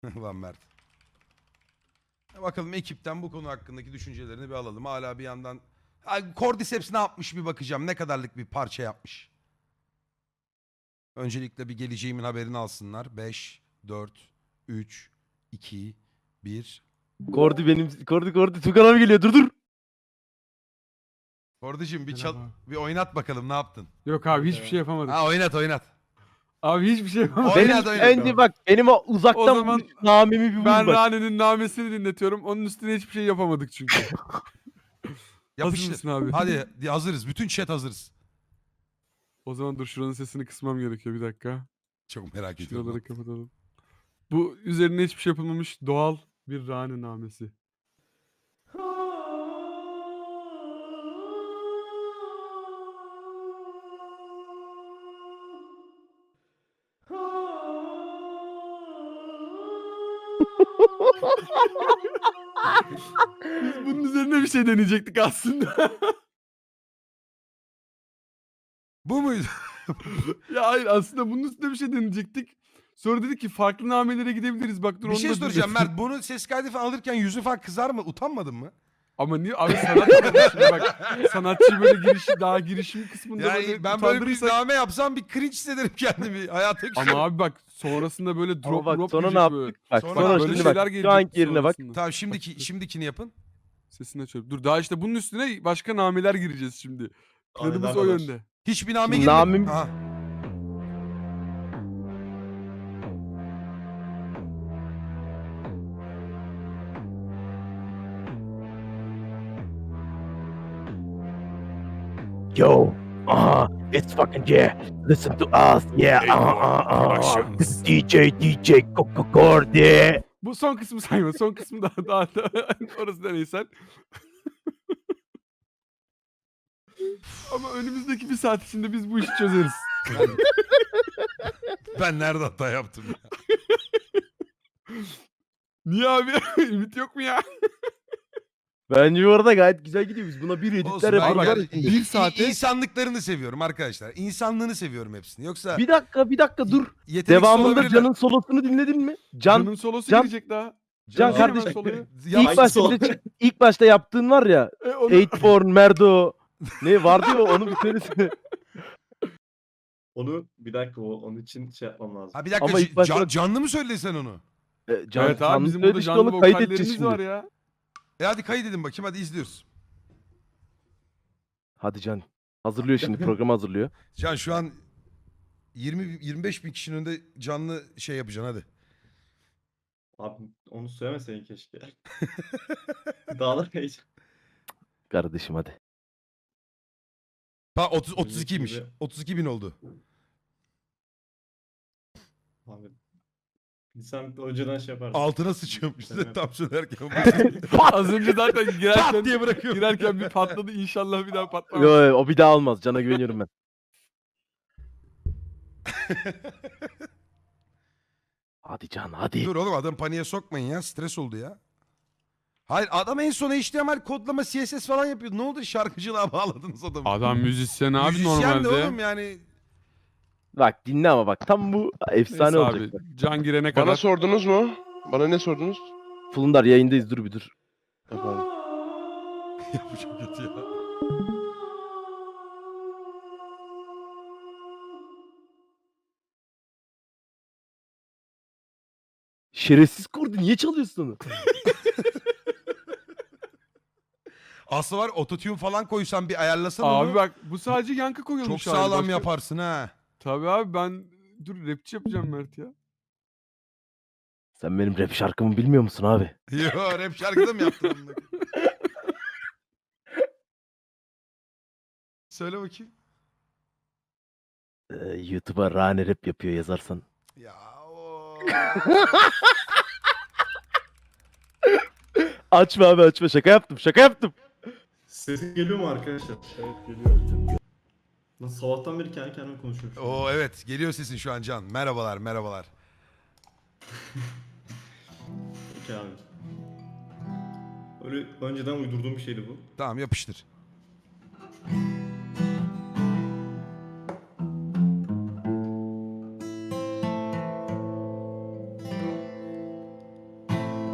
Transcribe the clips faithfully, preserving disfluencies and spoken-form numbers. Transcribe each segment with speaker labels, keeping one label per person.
Speaker 1: Ulan Mert. Bakalım ekipten bu konu hakkındaki düşüncelerini bir alalım. Hala bir yandan... Ha, Cordyceps ne yapmış bir bakacağım. Ne kadarlık bir parça yapmış. Öncelikle bir geleceğimin haberini alsınlar. beş, dört, üç, iki, bir.
Speaker 2: Kordi benim. Kordi Kordi. Tukan abi geliyor. Dur dur.
Speaker 1: Cordy'cim bir çal...
Speaker 3: Merhaba.
Speaker 1: Bir oynat bakalım ne yaptın?
Speaker 3: Yok abi hiçbir şey yapamadık.
Speaker 1: Ha oynat oynat.
Speaker 3: Abi hiçbir şey yapamadık.
Speaker 1: Oynat,
Speaker 2: Benim
Speaker 1: oynat.
Speaker 2: önce bak benim o uzaktan
Speaker 3: O zaman
Speaker 2: vuruş namemi bir vur
Speaker 3: Ben
Speaker 2: bak.
Speaker 3: Rane'nin namesini dinletiyorum. Onun üstüne hiçbir şey yapamadık çünkü. Hazır
Speaker 1: Yapıştır.
Speaker 3: mısın abi?
Speaker 1: Hadi hazırız. Bütün chat hazırız.
Speaker 3: O zaman dur şuranın sesini kısmam gerekiyor bir dakika.
Speaker 1: Çok merak ediyorum.
Speaker 3: Şuraları kapatalım. Bu üzerine hiçbir şey yapılmamış doğal bir Rane namesi. Biz bunun üzerine bir şey deneyecektik aslında.
Speaker 1: Bu muydu?
Speaker 3: Ya hayır aslında bunun üstüne bir şey deneyecektik. Sonra dedik ki farklı namelere gidebiliriz. Bak dur
Speaker 1: Bir
Speaker 3: onu
Speaker 1: şey
Speaker 3: da
Speaker 1: soracağım
Speaker 3: dinletelim.
Speaker 1: Mert. Bunu ses kaydı falan alırken yüzü falan kızar mı? Utanmadın mı?
Speaker 3: Ama niye? Abi sanat şimdi bak. Sanatçı böyle girişi daha girişim kısmında
Speaker 1: Yani
Speaker 3: böyle
Speaker 1: ben böyle bir
Speaker 3: utandırırsak-
Speaker 1: name yapsam bir cringe hissederim kendimi. Hayata
Speaker 3: Ama abi bak sonrasında böyle
Speaker 2: Ama
Speaker 3: drop
Speaker 2: bak
Speaker 3: drop
Speaker 2: sonra ne
Speaker 3: yiyecek
Speaker 2: yaptık?
Speaker 3: böyle.
Speaker 2: Bak
Speaker 1: Sonra
Speaker 2: sonra,
Speaker 3: böyle
Speaker 2: şimdi
Speaker 3: şeyler
Speaker 2: bak.
Speaker 3: gelecek
Speaker 2: Şu anki yerine bak.
Speaker 3: sonrasında.
Speaker 1: Tamam şimdiki şimdikini yapın.
Speaker 3: Sesini açıyorum. Dur daha işte bunun üstüne başka nameler gireceğiz şimdi. Planımız
Speaker 4: Aynen
Speaker 3: o
Speaker 4: kadar.
Speaker 3: yönde.
Speaker 1: Hiçbir name
Speaker 2: Şimdi
Speaker 1: girmedi.
Speaker 2: namim-
Speaker 1: Aha.
Speaker 2: Yo. Uh, it's fucking yeah. Listen to us. Yeah. Uh, uh, uh. This is D J D J Coco Kordi.
Speaker 3: Bu son kısmı sayma. Son kısmı daha daha, daha orası da neyse. Ama önümüzdeki bir saat içinde biz bu işi çözeriz.
Speaker 1: Ben nerede hata yaptım ya?
Speaker 3: Niye abi? Ümit yok mu ya?
Speaker 2: Bence bu arada gayet güzel gidiyor. Biz buna bir
Speaker 1: Olsun,
Speaker 2: editler
Speaker 1: ben
Speaker 2: yaparız.
Speaker 1: yani
Speaker 3: bir
Speaker 1: i-
Speaker 3: saate-
Speaker 1: insanlıklarını seviyorum arkadaşlar. İnsanlığını seviyorum hepsini. Yoksa
Speaker 2: Bir dakika bir dakika dur.
Speaker 1: yeteneksiz
Speaker 2: Devamında
Speaker 1: olabilirler.
Speaker 2: Can'ın solosunu dinledin mi? Can
Speaker 3: Can'ın solosu
Speaker 2: Can-
Speaker 3: gelecek daha.
Speaker 2: Can
Speaker 3: Ver hemen
Speaker 2: kardeşim.
Speaker 3: soloyu.
Speaker 1: Ya-
Speaker 2: ilk
Speaker 4: Hangisi
Speaker 2: başta
Speaker 4: o?
Speaker 2: bir de- ilk başta yaptığın var ya.
Speaker 3: E, onu...
Speaker 2: Eightborn, Merdo. Ne vardı ya onu bir söylesene.
Speaker 4: Onu bir dakika o onun için şey yapmam lazım.
Speaker 1: Ha bir dakika
Speaker 2: Ama ilk
Speaker 1: c-
Speaker 2: başta-
Speaker 1: can- canlı mı söyledin sen onu?
Speaker 2: E, Can,
Speaker 3: Evet abi
Speaker 2: Can'ın
Speaker 3: bizim burada
Speaker 2: söyledi işte,
Speaker 3: canlı
Speaker 2: onu kaydedeceğiz
Speaker 3: vokallerimiz
Speaker 2: şimdi.
Speaker 3: var ya.
Speaker 1: E hadi kaydedin bakayım hadi izliyoruz.
Speaker 2: Hadi Can. Hazırlıyor şimdi programı hazırlıyor.
Speaker 1: Can şu an yirmi yirmi beş bin kişinin önünde canlı şey yapacaksın hadi.
Speaker 4: Abi onu söylemeseydin keşke. Daha da heyecan.
Speaker 2: Kardeşim hadi.
Speaker 1: Ha otuz otuz ikiymiş.
Speaker 4: gibi.
Speaker 1: otuz iki bin oldu.
Speaker 4: Abi. Sen önceden şey yapardın.
Speaker 1: Altına sıçıyormuş size tam söylerken.
Speaker 3: Az önce zaten
Speaker 1: Pat
Speaker 3: girerken,
Speaker 1: diye bırakıyorum.
Speaker 3: girerken bir patladı. İnşallah bir daha patlamaz.
Speaker 2: Yo, yo, o bir daha olmaz. Can'a güveniyorum ben. Hadi Can hadi.
Speaker 1: Dur oğlum adam paniğe sokmayın ya. Stres oldu ya. Hayır adam en son H T M L kodlama C S S falan yapıyordu. Ne oldu şarkıcılığa bağladınız adamı.
Speaker 3: Adam müzisyen abi
Speaker 1: Müzisyen de
Speaker 3: normalde.
Speaker 1: oğlum yani.
Speaker 2: Bak dinle ama bak tam bu efsane
Speaker 3: Neyse
Speaker 2: olacak.
Speaker 3: abi.
Speaker 2: Bak.
Speaker 3: Can girene
Speaker 5: Bana
Speaker 3: kadar.
Speaker 5: sordunuz mu? Bana ne sordunuz?
Speaker 2: Fulundar yayındayız dur bir dur.
Speaker 5: Efendim.
Speaker 1: Ya bu çok kötü ya.
Speaker 2: Şerefsiz Kordi niye çalıyorsun onu?
Speaker 1: Aslında var ototune falan koysan bir ayarlasan
Speaker 3: Abi
Speaker 1: onu.
Speaker 3: bak bu sadece yankı koyulmuş.
Speaker 1: Çok
Speaker 3: hali.
Speaker 1: sağlam
Speaker 3: Başka-
Speaker 1: yaparsın ha.
Speaker 3: Tabii abi ben dur rapçi yapacağım Mert ya.
Speaker 2: Sen benim rap şarkımı bilmiyor musun abi?
Speaker 1: Yo rap şarkıda mı yaptın onu? Söyle bakayım.
Speaker 2: Ee, YouTube'a Rane rap yapıyor yazarsan.
Speaker 1: Ya o.
Speaker 2: Açma abi açma şaka yaptım şaka yaptım.
Speaker 4: Sesim geliyor mu arkadaşlar? Evet geliyor. Nasıl sabahtan beri kendi kendime konuşuyorum. şu an.
Speaker 1: Oo evet geliyor sesin şu an Can. Merhabalar merhabalar.
Speaker 4: Okey abi. Öyle önceden uydurduğum bir şeydi bu.
Speaker 1: Tamam yapıştır.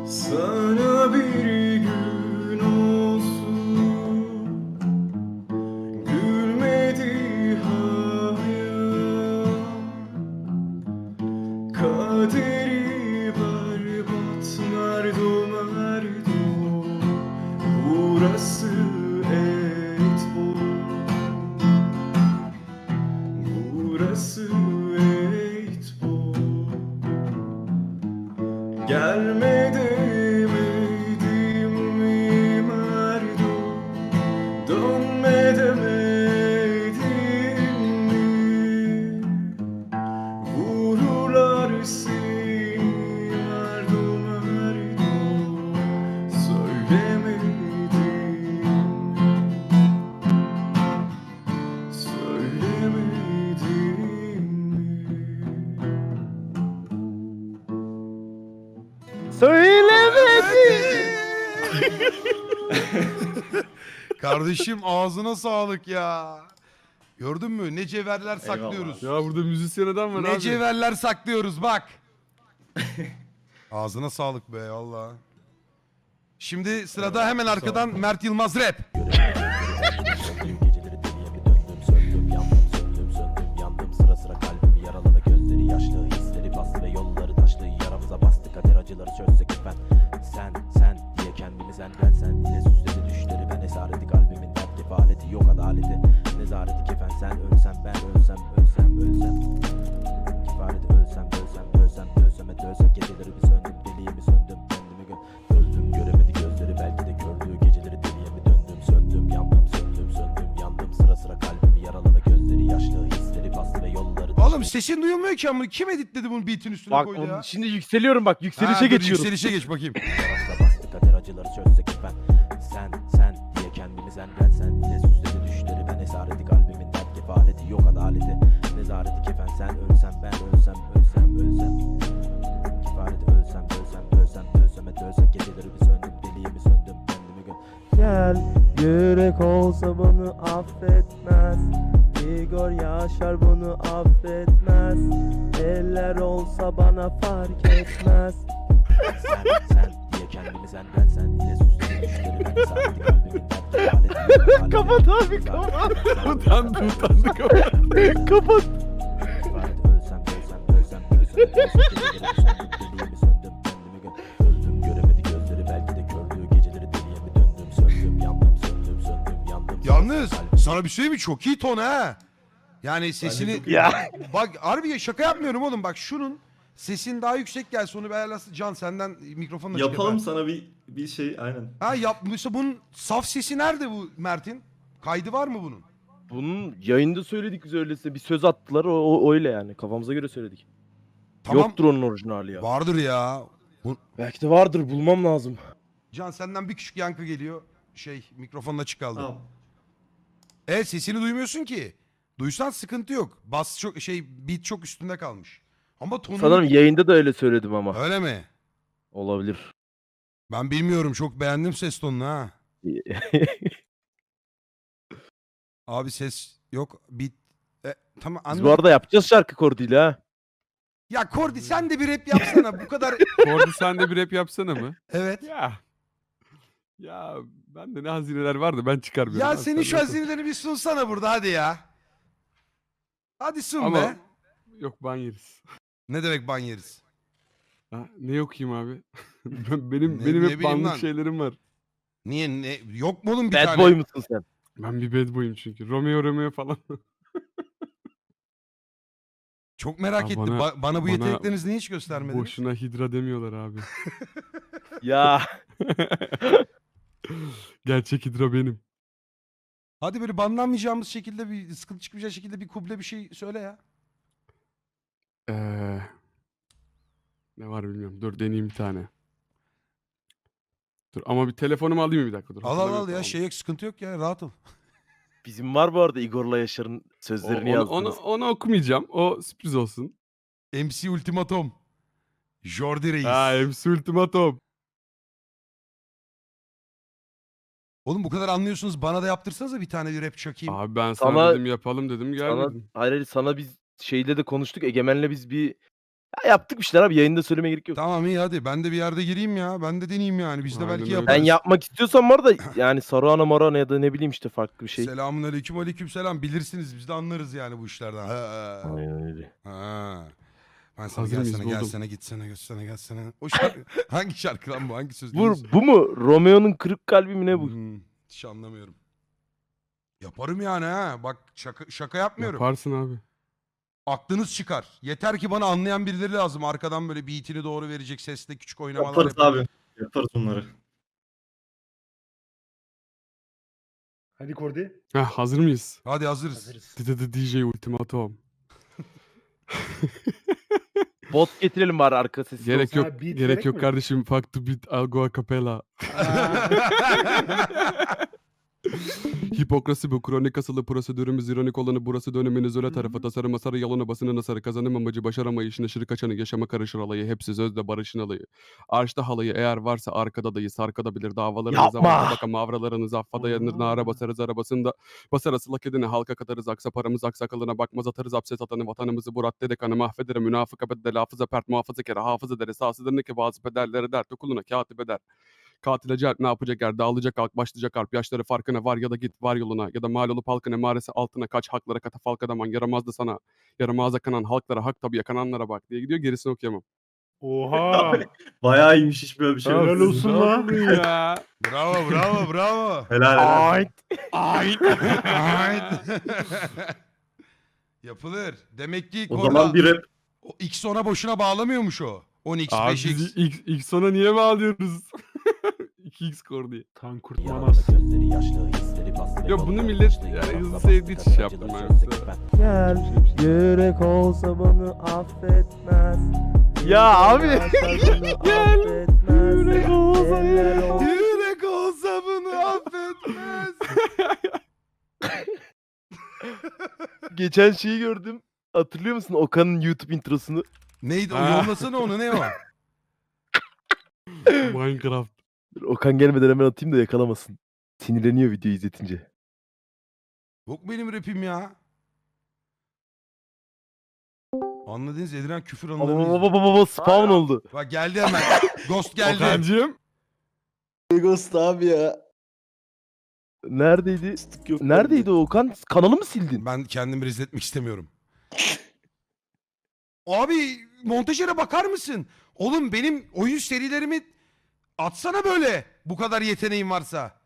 Speaker 4: Sana bir gün olsun gülmedi hayat, kaderi berbat, merdo merdo, burası et bol, burası et bol. Gelme demedim mi merdo, dönme demedim mi? Vururlar seni merdo merdo, söylemedim mi? Söylemedim mi?
Speaker 2: Söylemedi.
Speaker 1: Kardeşim ağzına sağlık ya. Gördün mü? Ne cevherler saklıyoruz.
Speaker 3: Ya burada müzisyen adam var
Speaker 1: Ne
Speaker 3: abi.
Speaker 1: cevherler saklıyoruz bak. Ağzına sağlık be valla. Şimdi sırada hemen arkadan Mert Yılmaz rap.
Speaker 6: Geceleri deliye mi döndüm, söndüm, yandım, söndüm, söndüm, yandım. Sıra sıra kalbimi yaraladı, gözleri yaşlı, hisleri bastı ve yolları taşlı. Yaramıza bastı kader, acıları çözsek ben. Sen, sen diye kendimi sen, ben sen diye süsledi düşleri. Ben esareti kalbimin dert kefaleti, yok adaleti. Nezareti kefen sen, ölsem ben, ölsem, ölsem, ölsem. Kefareti ölsem, ölsem, ölsem, ölsem et ölsem. Geceleri bir söndüm, deliye mi söndüm, kendimi gö öldüm, göremedi gözleri, belki de gördüğü geceleri deliye mi döndüm, söndüm, yandım, söndüm, söndüm, yandım. Sıra sıra kalbimi yaraladı, gözleri yaşlı, hisleri bastı ve yolları taşlı.
Speaker 1: Oğlum sesin duyulmuyor ki ama kim editledi bunu beat'in üstüne
Speaker 2: Bak
Speaker 1: koydu ya?
Speaker 2: onun- şimdi yükseliyorum bak. Yükselişe
Speaker 1: Ha, dur,
Speaker 2: geçiyorum.
Speaker 1: Yükselişe geç bakayım.
Speaker 6: Yaramıza bastı kader, acıları çözsek ben. Sen, sen diye kendimi sen, ben sen diye süsledi düşleri. Ben esareti kalbimin dert kefaleti, yok adaleti. Nezareti kefen sen, ölsem ben, ölsem, ölsem, ölsem. Kefareti ölsem, ölsem, ölsem, ölsem et ölsem. Geceleri bir söndüm, deliye mi söndüm, kendimi gö
Speaker 2: Gel, yürek olsa bunu affetmez. Igor Yaşar bunu affetmez. Eller olsa bana fark etmez.
Speaker 6: Sen, sen diye kendimi sen, ben sen diye süsledi düşleri. Ben esareti kalbimin dert kefaleti, yok adaleti.
Speaker 2: Kapat abi,
Speaker 6: Nezareti
Speaker 2: kapat.
Speaker 6: kefen sen,
Speaker 3: Utandı,
Speaker 6: ölsem,
Speaker 3: utandı,
Speaker 6: ölsem,
Speaker 3: kapat.
Speaker 6: ölsem,
Speaker 2: Kapat.
Speaker 6: Kefaret ölsem, ölsem, ölsem, ölsem, ölsem. Geceleri bir söndüm, deliye mi söndüm, kendimi gö öldüm, göremedi gözleri, belki de gördüğü geceleri deliye mi döndüm, söndüm, yandım, söndüm, söndüm, yandım.
Speaker 1: Yalnız
Speaker 6: Kalbim-
Speaker 1: sana bir şey söyleyeyim mi? Çok iyi ton ha. Yani sesini...
Speaker 4: çok iyi.
Speaker 2: Ya.
Speaker 1: Bak harbi şaka yapmıyorum oğlum. Bak şunun sesin daha yüksek gelse onu bir ayarlasın. Can senden mikrofonla çık
Speaker 4: Yapalım
Speaker 1: efendim.
Speaker 4: sana bir bir şey aynen.
Speaker 1: Ha yapmışsa bunun saf sesi nerede bu Mert'in? Kaydı var mı bunun?
Speaker 2: Bunun yayında söyledik biz öyleyse. Bir söz attılar o, o öyle yani. Kafamıza göre söyledik.
Speaker 1: Tamam.
Speaker 2: Yoktur onun orijinali ya.
Speaker 1: Vardır ya. Bu...
Speaker 2: Belki de vardır, bulmam lazım.
Speaker 1: Can senden bir küçük yankı geliyor. Şey mikrofonla açık kaldı.
Speaker 4: Tamam.
Speaker 1: Evet sesini duymuyorsun ki. Duysan sıkıntı yok. Bas çok şey beat çok üstünde kalmış. Ama tonu
Speaker 2: Sanırım yayında da öyle söyledim ama.
Speaker 1: öyle mi?
Speaker 2: Olabilir.
Speaker 1: Ben bilmiyorum. Çok beğendim ses tonunu ha. Abi ses yok. Beat e, tamam
Speaker 2: Biz
Speaker 1: anladım.
Speaker 2: bu arada yapacağız şarkı Kordi'yle ha.
Speaker 1: Ya Kordi sen de bir rap yapsana. Bu kadar
Speaker 3: Kordi sen de bir rap yapsana mı?
Speaker 1: evet.
Speaker 3: Ya. Ya bende ne hazineler vardı ben çıkarmıyorum.
Speaker 1: Ya
Speaker 3: abi,
Speaker 1: senin
Speaker 3: sen
Speaker 1: şu
Speaker 3: nasıl-
Speaker 1: hazinelerini bir sunsana burada hadi ya. Hadi sun
Speaker 3: Ama
Speaker 1: be.
Speaker 3: yok ban yeriz.
Speaker 1: Ne demek ban yeriz?
Speaker 3: Ha, ne okuyayım abi? Ben- benim
Speaker 1: Ne-
Speaker 3: benim
Speaker 1: ne
Speaker 3: hep
Speaker 1: bileyim
Speaker 3: banlık
Speaker 1: lan.
Speaker 3: şeylerim var.
Speaker 1: Niye ne yok mu oğlum bir
Speaker 2: Bad
Speaker 1: tane?
Speaker 2: boy musun sen?
Speaker 3: Ben bir bad boy'um çünkü. Romeo Romeo falan.
Speaker 1: Çok merak
Speaker 3: Aa,
Speaker 1: ettim.
Speaker 3: bana-
Speaker 1: Ba- bana, bu
Speaker 3: bana
Speaker 1: yeteneklerinizi niye hiç göstermediniz?
Speaker 3: Boşuna hidra demiyorlar abi.
Speaker 2: Ya.
Speaker 3: Gerçek hidra benim.
Speaker 1: Hadi böyle banlanmayacağımız şekilde bir sıkıntı çıkmayacak şekilde bir kuble bir şey söyle ya.
Speaker 3: Ee, ne var bilmiyorum. Dur deneyeyim bir tane. Dur ama bir telefonumu alayım bir dakika dur.
Speaker 1: Al al al
Speaker 3: hatırlamıyorum,
Speaker 1: ya
Speaker 3: tamam.
Speaker 1: şey yok sıkıntı yok ya rahat ol.
Speaker 2: Bizim var bu arada Igor'la Yaşar'ın
Speaker 3: O-
Speaker 2: sözlerini
Speaker 3: onu, onu,
Speaker 2: yazdınız.
Speaker 3: onu okumayacağım. O sürpriz olsun.
Speaker 1: M C Ultimatum. Jordi Reis.
Speaker 3: Ha, M C Ultimatum.
Speaker 1: Oğlum bu kadar anlıyorsunuz bana da yaptırsanıza bir tane bir rap çakayım.
Speaker 3: Abi ben sana,
Speaker 2: Sana-
Speaker 3: dedim yapalım dedim
Speaker 2: Sana,
Speaker 3: gelmedin.
Speaker 2: hayır hayır, sana biz şeyle de konuştuk. Egemen'le biz bir Ya yaptık bir şeyler abi, yayında söylemeye gerek yok.
Speaker 1: Tamam iyi hadi ben de bir yerde gireyim ya. Ben de deneyeyim yani. Biz de
Speaker 3: Aynen
Speaker 1: belki
Speaker 3: öyle.
Speaker 1: yaparız.
Speaker 2: Ben yapmak istiyorsam var da yani Saruhana Maruhana ya da ne bileyim işte farklı bir şey.
Speaker 1: Selamun aleyküm aleyküm selam. Bilirsiniz biz de anlarız yani bu işlerden. Ha.
Speaker 2: Aynen öyle.
Speaker 1: Ha. Ben sana
Speaker 3: Hazır mıyız?
Speaker 1: gelsene
Speaker 3: Buldum.
Speaker 1: gelsene gitsene gitsene gelsene. O şarkı hangi şarkı lan bu? Hangi söz?
Speaker 2: Bu, bu mu? Romeo'nun kırık kalbi mi ne bu?
Speaker 1: Hmm, hiç anlamıyorum. Yaparım yani ha. Bak şaka, şaka yapmıyorum.
Speaker 3: Yaparsın abi.
Speaker 1: Aklınız çıkar. Yeter ki bana anlayan birileri lazım. Arkadan böyle beatini doğru verecek sesle küçük oynamalar
Speaker 4: Yaparız
Speaker 1: yapacak.
Speaker 4: abi. Yaparız onları.
Speaker 7: Hadi Kordi.
Speaker 3: Heh, hazır mıyız?
Speaker 1: Hadi hazırız.
Speaker 7: Hazırız.
Speaker 3: D D J Ultimatum.
Speaker 2: Bot getirelim bari arka sesi.
Speaker 3: Gerek
Speaker 7: Sana
Speaker 3: yok.
Speaker 7: beat
Speaker 3: Gerek
Speaker 7: gerek
Speaker 3: yok
Speaker 7: mi?
Speaker 3: kardeşim. Fuck the beat. I'll go a cappella. Hipokrasi bu. Kronik asılı prosedürümüz ironik olanı burası döneminiz öyle tarafı. Tasarım masarı yalanı basını nasarı. Kazanım amacı başaramayışın aşırı kaçanı. Yaşama karışır alayı. Hepsi sözde barışın alayı. Arşta halayı eğer varsa arkada dayı. Sarkadabilir davalarınıza.
Speaker 2: Yapma!
Speaker 3: Baka mavralarınız affada yanır. Nara basarız arabasında. Basar asılak edini halka katarız. Aksa paramız aksakalına bakmaz atarız. Hapse satanı vatanımızı bu radde dekanı mahvederim. Münafıka bedel hafıza pert muhafızı kere hafız ederiz. Sağsıdır ne ki bazı pederlere dert okuluna katip eder. Katile celp ne yapacak er dağılacak halk başlayacak harp yaşları farkına var ya da git var yoluna ya da mal olup halkın emaresi altına kaç haklara katafalk adaman yaramazdı sana yaramaza kanan halklara hak tabi yakananlara bak diye gidiyor gerisini okuyamam.
Speaker 7: Oha.
Speaker 4: Bayağı iyiymiş, hiç böyle bir şey yok.
Speaker 7: Helal olsun lan.
Speaker 3: ya.
Speaker 1: Bravo bravo bravo.
Speaker 4: Helal helal.
Speaker 2: Ay.
Speaker 1: Ait. Yapılır. Demek ki
Speaker 4: O
Speaker 1: Korda-
Speaker 4: zaman bir rap.
Speaker 1: o X ona boşuna bağlamıyormuş o. on x
Speaker 3: Abi
Speaker 1: beş x.
Speaker 3: biz ilk, ilk sona niye bağlıyoruz? iki x core diye.
Speaker 7: Tan
Speaker 6: Yaralı
Speaker 7: kurtulmaz.
Speaker 6: gözleri yaşlı, hisleri paslı ve
Speaker 3: Ya bunu
Speaker 6: yolları
Speaker 3: millet
Speaker 6: taşlı,
Speaker 3: yani
Speaker 6: yaramıza
Speaker 3: hızlı
Speaker 6: bastık,
Speaker 3: sevdiği için şey
Speaker 6: acıları
Speaker 3: yaptım ben
Speaker 6: çözdük
Speaker 3: yoksa.
Speaker 6: ben.
Speaker 2: Gel yürek olsa bana affetmez. Ya abi.
Speaker 3: Gel, yürek olsa
Speaker 1: Yürek olsa bunu affetmez.
Speaker 2: Geçen şeyi gördüm. Hatırlıyor musun Okan'ın YouTube introsunu?
Speaker 1: Neydi o?
Speaker 3: Ha.
Speaker 1: Yollasana onu ne o?
Speaker 3: Minecraft.
Speaker 2: Dur, Okan gelmeden hemen atayım da yakalamasın. Sinirleniyor videoyu izletince.
Speaker 1: Yok benim rapim ya. Anladınız Ediren küfür
Speaker 2: Baba
Speaker 1: anılarını
Speaker 2: baba
Speaker 1: izliyor.
Speaker 2: baba baba spawn oldu.
Speaker 1: Bak geldi hemen. Ghost geldi.
Speaker 3: Okan'cığım.
Speaker 8: Ghost abi ya.
Speaker 2: Neredeydi?
Speaker 8: Fıstık yok.
Speaker 2: Neredeydi o Okan? Kanalı mı sildin?
Speaker 1: Ben kendimi rezil etmek istemiyorum. Abi montajere bakar mısın? Oğlum benim oyun serilerimi atsana böyle. Bu kadar yeteneğin varsa.